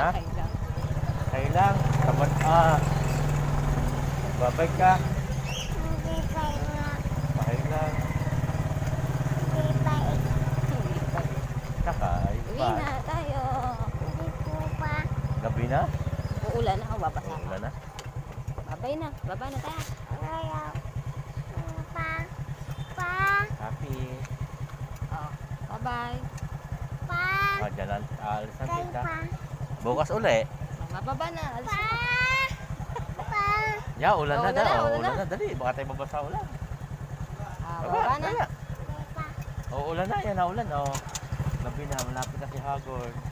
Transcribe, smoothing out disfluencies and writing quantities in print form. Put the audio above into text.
Ha? Okay lang. Okay lang. Tamad babay ka. Hindi pa nga. Okay lang. Hindi pa. Hindi pa. Saka, ayos Uwi pa. na tayo. Hindi po pa. Gabi na? Uulan na ako, babasa ka. Wala na? Babay na. Babay na tayo. Ayaw. Pa. Pa. Happy. Oh, bye-bye. Pa. Dyan alis na Kay kita. pa. Bukas uli. Bababa na. Alis Pa. na. Pa. Ya, ulan na Ulan na, daw. ulan Ulan na. na. Dali, baka tayo mabasa ulan. Baba na. Kaya. Kay pa. Ulan na. Yan na ulan. Gabi na. Malapit na si Hagor.